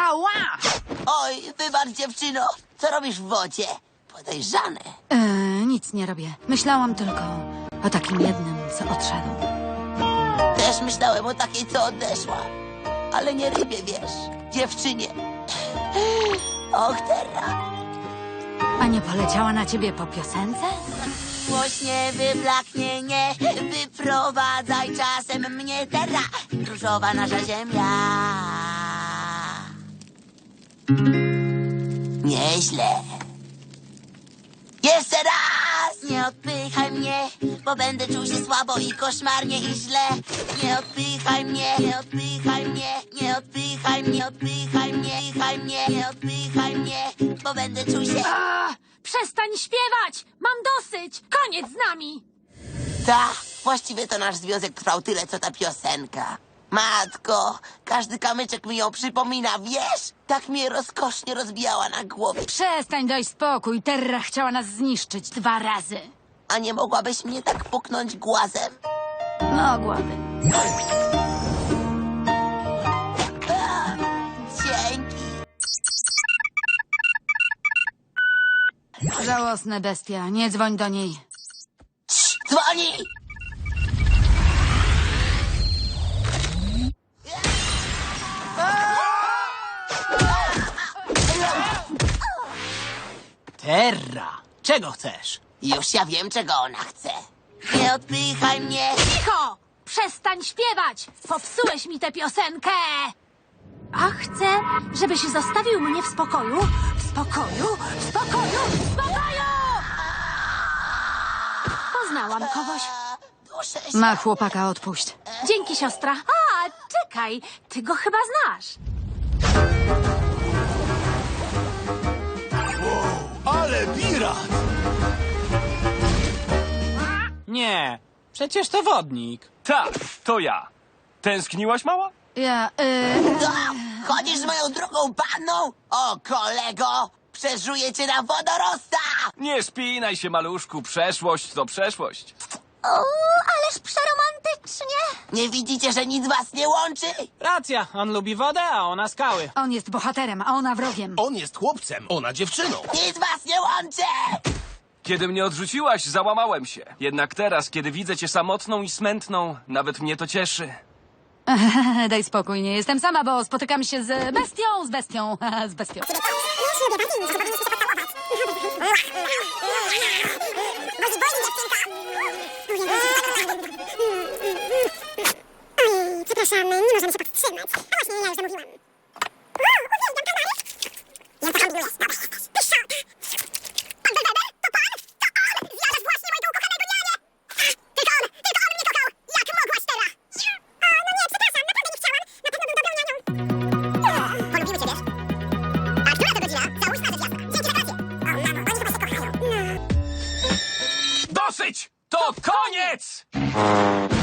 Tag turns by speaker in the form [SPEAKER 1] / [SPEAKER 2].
[SPEAKER 1] Ała!
[SPEAKER 2] Oj, wybacz, dziewczyno. Co robisz w wodzie? Podejrzane.
[SPEAKER 1] Nic nie robię. Myślałam tylko o takim jednym, co odszedł.
[SPEAKER 2] Też myślałem o takiej, co odeszła. Ale nie rybie, wiesz. Dziewczynie. Och, Terra.
[SPEAKER 1] A nie poleciała na ciebie po piosence?
[SPEAKER 2] Głośnie wyblaknie, nie wyprowadzaj czasem mnie, Terra. Różowa nasza ziemia. Nieźle. Jeszcze raz! Nie odpychaj mnie, bo będę czuł się słabo i koszmarnie i źle. Nie odpychaj mnie, nie odpychaj mnie, nie odpychaj mnie, odpychaj mnie, odpychaj mnie, nie odpychaj mnie, bo będę czuł się...
[SPEAKER 3] Przestań śpiewać! Mam dosyć! Koniec z nami!
[SPEAKER 2] Tak, właściwie to nasz związek trwał tyle, co ta piosenka. Matko, każdy kamyczek mi ją przypomina, wiesz? Tak mnie rozkosznie rozbijała na głowie.
[SPEAKER 1] Przestań, daj spokój. Terra chciała nas zniszczyć 2 razy.
[SPEAKER 2] A nie mogłabyś mnie tak puknąć głazem?
[SPEAKER 1] Mogłabym.
[SPEAKER 2] Dzięki.
[SPEAKER 1] Żałosna bestia. Nie dzwoń do niej.
[SPEAKER 2] Cii, dzwoni!
[SPEAKER 4] Terra, czego chcesz?
[SPEAKER 2] Już ja wiem, czego ona chce. Nie odpychaj mnie.
[SPEAKER 3] Cicho! Przestań śpiewać! Popsułeś mi tę piosenkę! A chcę, żebyś zostawił mnie w spokoju. W spokoju, w spokoju, w spokoju! Poznałam kogoś.
[SPEAKER 2] Duszę się.
[SPEAKER 1] Ma chłopaka, odpuść.
[SPEAKER 3] Dzięki, siostra. A, czekaj, ty go chyba znasz.
[SPEAKER 5] Ale pirat!
[SPEAKER 4] Nie, przecież to wodnik.
[SPEAKER 6] Tak, to ja. Tęskniłaś, mała?
[SPEAKER 1] Ja,
[SPEAKER 2] Co? Chodzisz z moją drugą panną? O, kolego! Przeżuję cię na wodorosta!
[SPEAKER 6] Nie spinaj się, maluszku. Przeszłość to przeszłość.
[SPEAKER 2] Ależ przeromantycznie! Nie widzicie, że nic was nie łączy?
[SPEAKER 4] Racja, on lubi wodę, a ona skały.
[SPEAKER 1] on jest bohaterem, a ona wrogiem.
[SPEAKER 5] On jest chłopcem, ona dziewczyną.
[SPEAKER 2] Nic was nie łączy!
[SPEAKER 6] Kiedy mnie odrzuciłaś, załamałem się. Jednak teraz, kiedy widzę cię samotną i smętną, nawet mnie to cieszy.
[SPEAKER 1] Daj spokój, nie jestem sama, bo spotykam się z bestią, z bestią.
[SPEAKER 7] Przepraszam, nie możemy się powstrzymać. A właśnie, ja już zamówiłam. Uwielbiam kanary. Ja to handluję. Dobra, jesteś. Pyszota. Pan Belweber? To pan? To on! Zjadasz właśnie mojego ukochanego nianie! Tylko on mnie kochał! Jak mogłaś teraz? No nie, przepraszam, naprawdę nie chciałam. Na pewno był dobrą nianią. Polubimy cię, wiesz? A która to godzina? Załóżmy, że jasna. Dzięki za kolację. O, mamo, oni chyba się kochają. No.
[SPEAKER 6] Dosyć! To koniec!